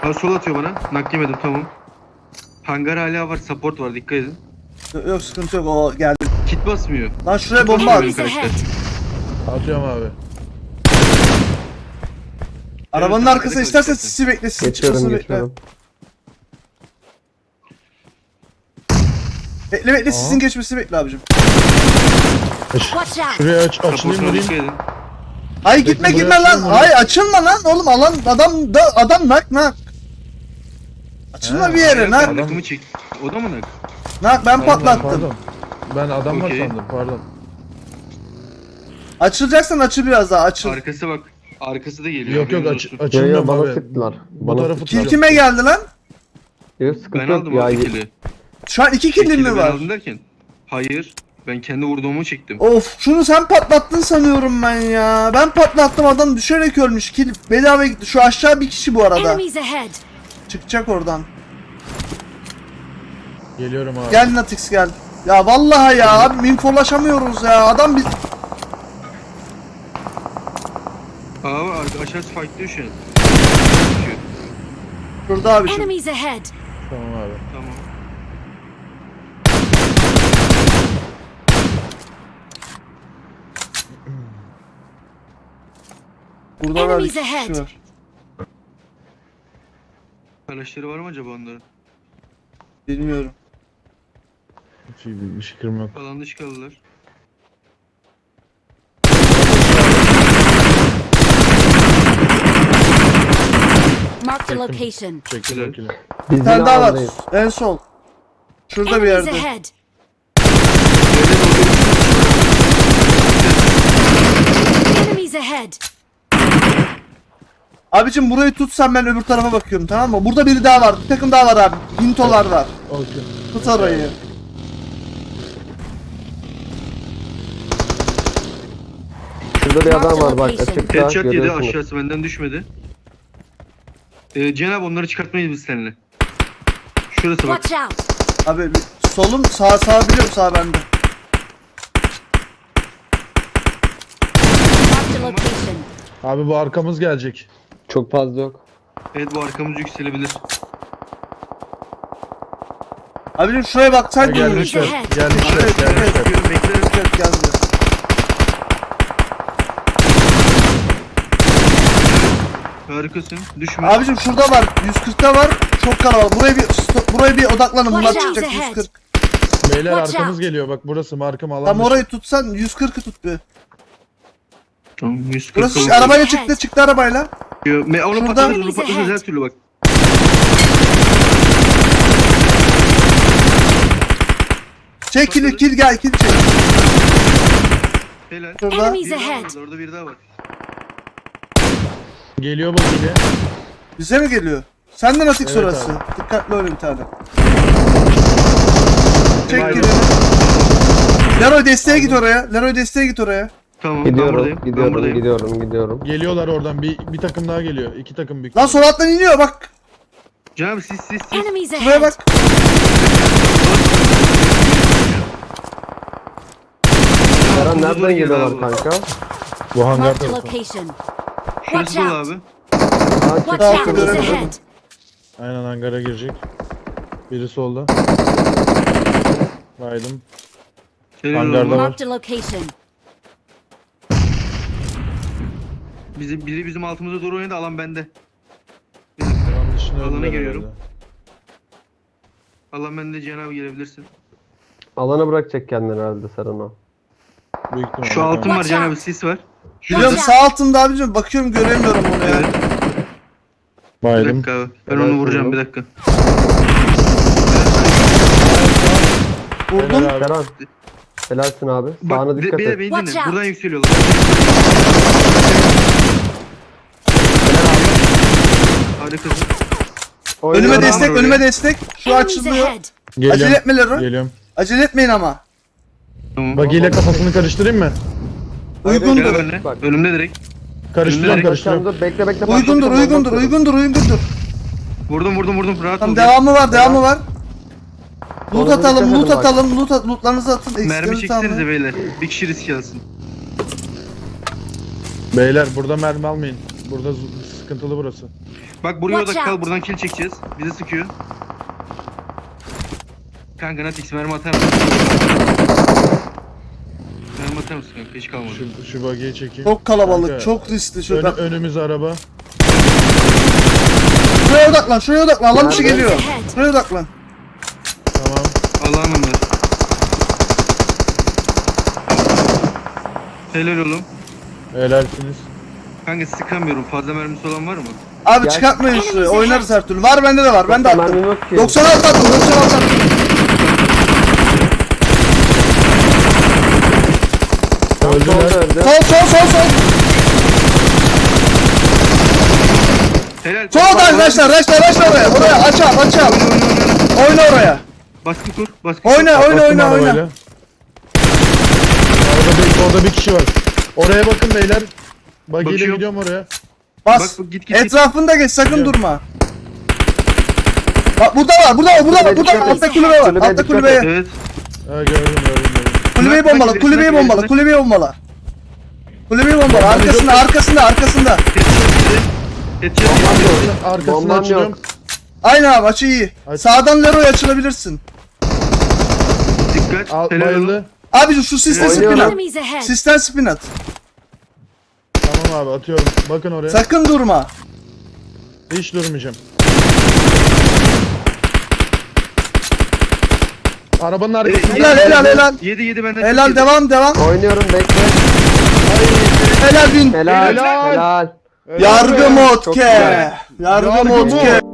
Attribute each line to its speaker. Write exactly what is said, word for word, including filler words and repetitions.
Speaker 1: Ha, sol atıyor bana. Nak yemedim, tamam. Hangar hala var, support var, dikkat edin.
Speaker 2: Yok, yok sıkıntı yok, o geldi.
Speaker 1: Kit basmıyor.
Speaker 2: Lan şuraya
Speaker 1: Kit
Speaker 2: bomba
Speaker 1: basmıyor
Speaker 2: at.
Speaker 1: benim karakter.
Speaker 3: Atıyorum abi.
Speaker 2: Arabanın
Speaker 1: Evet,
Speaker 2: arkasına
Speaker 1: arkada
Speaker 2: istersen
Speaker 1: kalacak
Speaker 2: sisi bekle, sisi
Speaker 4: Geçiyorum
Speaker 2: çıkmasını bekle.
Speaker 4: geçiyorum.
Speaker 2: Bekle bekle,
Speaker 3: Aa.
Speaker 2: sisin geçmesini bekle abicim.
Speaker 5: Watch out!
Speaker 3: Şuraya aç, açılayım
Speaker 1: Support'una dikkat
Speaker 3: vurayım.
Speaker 1: edin.
Speaker 2: Hayır
Speaker 3: Bekle,
Speaker 2: gitme
Speaker 3: buraya
Speaker 2: gitme lan.
Speaker 3: açıyorum bunu.
Speaker 2: Hayır açılma lan oğlum, alan adam da adam nak nak. Açılma
Speaker 3: He,
Speaker 2: bir yere
Speaker 1: Hayır,
Speaker 2: nak.
Speaker 1: ben nakımı çek. O da mı nak?
Speaker 2: Nak ben
Speaker 3: Pardon,
Speaker 2: patlattım.
Speaker 3: Pardon. Ben adam var
Speaker 1: Okey.
Speaker 3: sandım, pardon.
Speaker 2: Açılacaksan açıl biraz daha, açıl.
Speaker 1: Arkası bak. Arkası da geliyor.
Speaker 3: Yok yok
Speaker 1: haberiniz
Speaker 3: aç,
Speaker 1: olsun.
Speaker 4: Ya ya
Speaker 3: açılmıyorum
Speaker 4: bana
Speaker 3: abi.
Speaker 4: sıktılar.
Speaker 3: Bu
Speaker 4: Bana
Speaker 3: tarafı
Speaker 4: sıktılar.
Speaker 2: Kill
Speaker 3: tutuyorum.
Speaker 2: kime geldi lan?
Speaker 4: Yok sıkıntı
Speaker 1: Ben
Speaker 4: yok
Speaker 1: aldım
Speaker 4: ya.
Speaker 1: abi kili.
Speaker 2: Şu an iki killim
Speaker 1: Kili
Speaker 2: mi
Speaker 1: ben
Speaker 2: var?
Speaker 1: aldım derken. Hayır. Ben kendi vurduğumu çektim.
Speaker 2: Of, şunu sen patlattın sanıyorum ben ya. Ben patlattım, adam düşerek ölmüş. Kill bedava gitti. Şu aşağı bir kişi bu arada.
Speaker 5: Enemies ahead!
Speaker 2: Çıkacak oradan.
Speaker 3: Geliyorum abi.
Speaker 2: Gel Natix gel. Ya vallahi ya abi infolaşamıyoruz ya. Adam biz
Speaker 1: Abi arka- aşağısı fightlıyor şu an.
Speaker 2: şurada abi şu.
Speaker 5: Enemies ahead!
Speaker 3: Tamam abi.
Speaker 1: Tamam.
Speaker 2: Burada da bir
Speaker 5: Enemies
Speaker 2: kişi
Speaker 5: ahead.
Speaker 2: var.
Speaker 1: Arkadaşları var mı acaba onların?
Speaker 2: Bilmiyorum.
Speaker 3: Hiç iyi bir, bir fikrim yok.
Speaker 1: Alan dışı kaldılar.
Speaker 5: Marked a
Speaker 3: Çektim.
Speaker 5: location.
Speaker 3: Çekil
Speaker 1: Helal.
Speaker 3: çekil.
Speaker 4: Biz
Speaker 2: Bir tane
Speaker 4: yine
Speaker 2: daha var.
Speaker 4: alandayız.
Speaker 2: En sol. Şurada bir
Speaker 5: Enemies
Speaker 2: yerde.
Speaker 5: ahead! Enemies ahead!
Speaker 2: Abicim burayı tutsan ben öbür tarafa bakıyorum, tamam mı? Burada biri daha var. Bir takım daha var abi. Hintolar var.
Speaker 3: Okey.
Speaker 2: Tut orayı.
Speaker 4: Şurada bir adam var bak açıkta
Speaker 1: Headshot yedi,
Speaker 4: görüyorsunuz.
Speaker 1: aşağısı benden düşmedi. Ee, Cenab onları çıkartmayız biz seninle. Şurası bak.
Speaker 5: Watch out!
Speaker 2: Abi bir- solum sağ sağ biliyorum, sağ bende.
Speaker 5: Marked a location.
Speaker 3: Abi bu arkamız gelecek.
Speaker 4: Çok fazla yok.
Speaker 1: Evet, bu arkamız yükselebilir.
Speaker 2: Abicim şuraya bak sen
Speaker 3: Ha,
Speaker 2: de.
Speaker 3: gelmişler.
Speaker 5: ahead.
Speaker 3: Gelmişler.
Speaker 1: Evet, evet,
Speaker 3: Gelmişler.
Speaker 1: bekliyorum, beklerim.
Speaker 2: Evet geldi.
Speaker 1: Harikasın. Düşme.
Speaker 2: Abicim şurada var. yüz kırkta var. Çok kalabalık. Buraya bir stop, buraya bir odaklanın. Bunlar
Speaker 5: Watch out
Speaker 2: çıkacak
Speaker 5: ahead.
Speaker 2: yüz kırk.
Speaker 3: Beyler
Speaker 5: Watch
Speaker 3: arkamız
Speaker 5: out.
Speaker 3: geliyor. Bak burası markım alan.
Speaker 2: Tam
Speaker 3: dışı.
Speaker 2: orayı tutsan yüz kırkı tut bir.
Speaker 1: Tamam, yüz kırk
Speaker 2: Burası
Speaker 1: oldu.
Speaker 2: arabayla çıktı, çıktı arabayla.
Speaker 1: Me onu
Speaker 2: Şurada-
Speaker 1: patlatırız, onu patlatırız her türlü bak.
Speaker 2: Çek kill, kill gel, kill çek.
Speaker 1: Helal.
Speaker 2: Şurada.
Speaker 5: Enemies
Speaker 1: Bir daha var
Speaker 5: ahead!
Speaker 1: orada, orada bir daha var.
Speaker 3: Geliyor bak yine.
Speaker 2: Bize mi geliyor? Senden Natix
Speaker 3: Evet
Speaker 2: orası.
Speaker 3: abi.
Speaker 2: Dikkatli öyle bir tane. Çek
Speaker 1: Helal.
Speaker 2: kill'i. Leroy desteğe git oraya. Leroy desteğe git oraya.
Speaker 1: Tamam, ben
Speaker 4: Gidiyorum
Speaker 1: buradayım. ben
Speaker 4: gidiyorum
Speaker 1: buradayım.
Speaker 4: gidiyorum gidiyorum.
Speaker 3: Geliyorlar oradan. Bir, bir takım daha geliyor. İki takım büyük.
Speaker 2: Lan sol alttan iniyor bak.
Speaker 1: Cenab siz siz siz.
Speaker 5: Enemies
Speaker 2: Şuraya
Speaker 5: ahead!
Speaker 2: bak.
Speaker 4: Eren
Speaker 1: Doğru
Speaker 4: nereden
Speaker 1: geliyor
Speaker 4: geliyorlar
Speaker 1: abi.
Speaker 4: kanka?
Speaker 3: Bu hangar
Speaker 5: Marked a
Speaker 3: tarafı.
Speaker 5: location.
Speaker 1: Şurası
Speaker 5: Watch
Speaker 1: dolu
Speaker 5: out!
Speaker 1: abi.
Speaker 4: Aa,
Speaker 5: Watch
Speaker 2: Daha
Speaker 5: out! Enemies
Speaker 2: göremedim.
Speaker 5: ahead!
Speaker 3: Aynen hangara girecek. Biri solda. Baydım.
Speaker 1: Helal
Speaker 3: Hangarda
Speaker 1: olsun.
Speaker 3: var.
Speaker 5: Marked a location.
Speaker 1: Bizi, biri bizim altımıza doğru oynadı, alan bende.
Speaker 3: Alan dışına
Speaker 1: Alana
Speaker 3: öldüler
Speaker 1: giriyorum.
Speaker 3: herhalde.
Speaker 1: Alan bende, Cenab gelebilirsin.
Speaker 4: Alana bırakacak kendini herhalde Seren o.
Speaker 3: Büyük ihtimalle.
Speaker 1: Şu altın var
Speaker 5: Watch
Speaker 1: Cenab,
Speaker 5: out.
Speaker 1: sis var.
Speaker 2: Biliyorum
Speaker 5: out.
Speaker 2: sağ altında abicim, bakıyorum göremiyorum onu ya.
Speaker 1: Evet. Bir
Speaker 3: Baydım.
Speaker 1: dakika abi. Ben
Speaker 4: Helal
Speaker 1: onu vuracağım,
Speaker 4: olsun.
Speaker 1: bir dakika.
Speaker 2: Vurdum.
Speaker 3: Helal abi.
Speaker 4: Seren. Helalsin abi. Sağına
Speaker 1: Bak,
Speaker 4: dikkat
Speaker 1: be, be,
Speaker 4: et.
Speaker 1: beni
Speaker 5: Watch
Speaker 1: dinle.
Speaker 5: out.
Speaker 1: Buradan yükseliyorlar. Harikasın.
Speaker 2: Önüme
Speaker 4: Oynuyorum.
Speaker 2: destek,
Speaker 1: oraya.
Speaker 2: önüme destek. Şu
Speaker 5: Enemies
Speaker 2: açılıyor.
Speaker 5: ahead!
Speaker 3: Geliyorum.
Speaker 2: Acele etme Leroy.
Speaker 3: Geliyorum.
Speaker 2: Acele etmeyin ama.
Speaker 1: Tamam.
Speaker 3: Bagiyle kafasını karıştırayım mı?
Speaker 4: Hayır,
Speaker 1: Gel
Speaker 2: Uygundur.
Speaker 1: benimle.
Speaker 4: Bak.
Speaker 1: Önümde direkt.
Speaker 3: Karıştırıyorum
Speaker 1: Önümde
Speaker 3: karıştırıyorum.
Speaker 4: Dur bekle bekle.
Speaker 2: Uygundur,
Speaker 4: patlatıyorum,
Speaker 2: uygundur,
Speaker 4: patlatıyorum.
Speaker 2: uygundur, uygundur.
Speaker 1: Vurdum vurdum vurdum. Rahat
Speaker 2: Tamam
Speaker 1: ol.
Speaker 2: devamı var, devamı var. Loot
Speaker 4: Orada
Speaker 2: atalım,
Speaker 4: dikkat
Speaker 2: loot
Speaker 4: edin bak.
Speaker 2: atalım, loot at, lootlarınızı atın.
Speaker 1: Mermi
Speaker 2: Eksiklerinizi
Speaker 1: çeksenize
Speaker 2: tamamlayın.
Speaker 1: beyler. Bir kişi risk alsın.
Speaker 3: Beyler burada mermi almayın. Burada z- sıkıntılı burası.
Speaker 1: Bak buraya
Speaker 5: Watch
Speaker 1: odak kal.
Speaker 5: out.
Speaker 1: Buradan kill çekeceğiz. Bizi sıkıyor. Kanka Natix mermi atar mısın? Mermi atar mısın kanka? Hiç kalmadı.
Speaker 3: Şu, şu buggy'yi çekeyim.
Speaker 2: Çok kalabalık,
Speaker 3: Kanka,
Speaker 2: çok riskli
Speaker 3: Ön,
Speaker 2: şurada.
Speaker 3: önümüz araba.
Speaker 2: Şuraya odaklan, şuraya odaklan. Lan bir şey
Speaker 4: Nerede?
Speaker 2: geliyor. Şuraya odaklan.
Speaker 3: Tamam.
Speaker 1: Allah'ım onlar. Helal oğlum.
Speaker 3: Helalsiniz.
Speaker 1: Kanka sıkamıyorum. Fazla mermisi olan var mı?
Speaker 2: Abi
Speaker 4: Gel.
Speaker 2: çıkartmayın şuraya. Oynarız her türlü. Var bende de var. Ben de attım.
Speaker 4: Mermim yok ki.
Speaker 2: doksan altı attım, doksan altı attım.
Speaker 4: Tam
Speaker 3: Öldüler.
Speaker 4: solda öldü.
Speaker 2: Sol, sol, sol, sol.
Speaker 1: Helal.
Speaker 2: Solda arkadaşlar, arkadaşlar, arkadaşlar oraya. Oraya aç al, aç al. Oyna oraya.
Speaker 1: Baskı kur. Baskı kur.
Speaker 2: Oyna, oyna,
Speaker 3: Bastım
Speaker 2: oyna,
Speaker 3: arabayla.
Speaker 2: oyna.
Speaker 3: Orada bir, orada bir kişi var. Oraya bakın beyler. Buggy ile
Speaker 1: Bakıyorum.
Speaker 3: gidiyorum oraya.
Speaker 2: Bas.
Speaker 1: Bak, bak, git, git, git.
Speaker 2: Etrafında geç, sakın
Speaker 3: Gidiyorum.
Speaker 2: durma. Bak burada var, burada var, burada var,
Speaker 4: Kulübe
Speaker 2: burada var.
Speaker 4: dikkat et.
Speaker 2: Altta kulübe var,
Speaker 4: Kulübeye
Speaker 2: altta
Speaker 4: dikkat
Speaker 2: kulübeye.
Speaker 1: Evet.
Speaker 3: Ha gördüm gördüm gördüm.
Speaker 2: Kulübeyi
Speaker 1: Bak,
Speaker 2: bombala,
Speaker 1: bak,
Speaker 2: kulübeyi
Speaker 1: bak,
Speaker 2: bombala,
Speaker 1: bak.
Speaker 2: kulübeyi bombala. Kulübeyi bombala,
Speaker 3: Bomba
Speaker 2: arkasında,
Speaker 3: yok.
Speaker 2: arkasında, arkasında.
Speaker 1: Headshot
Speaker 4: Bombam
Speaker 1: yedi.
Speaker 4: yok.
Speaker 3: Arkasını
Speaker 4: Bombam
Speaker 3: açıyorum.
Speaker 4: yok.
Speaker 2: Aynen abi, açı iyi.
Speaker 3: Aç.
Speaker 2: Sağdan Leroy açılabilirsin.
Speaker 1: Dikkat.
Speaker 3: Al,
Speaker 1: Helal oğlum.
Speaker 3: bayıldı.
Speaker 2: Abi şu sisten spin
Speaker 4: Oynuyorum.
Speaker 2: at.
Speaker 5: Enemies ahead.
Speaker 2: Sisten spin at.
Speaker 3: Tamam abi atıyorum. Bakın oraya.
Speaker 2: Sakın durma.
Speaker 3: Hiç durmayacağım. Arabanın arkasında.
Speaker 2: Helal, helal, helal.
Speaker 1: Yedi yedi benden.
Speaker 2: Helal,
Speaker 1: çok
Speaker 2: devam, devam.
Speaker 4: Oynuyorum bekle.
Speaker 2: Helal bin.
Speaker 4: Helal.
Speaker 3: Helal.
Speaker 4: Helal.
Speaker 2: Yargı
Speaker 3: be.
Speaker 2: mod
Speaker 4: Çok
Speaker 2: ke.
Speaker 4: güzel.
Speaker 2: Yargı
Speaker 3: Yargı
Speaker 2: mod
Speaker 3: mod.
Speaker 2: ke.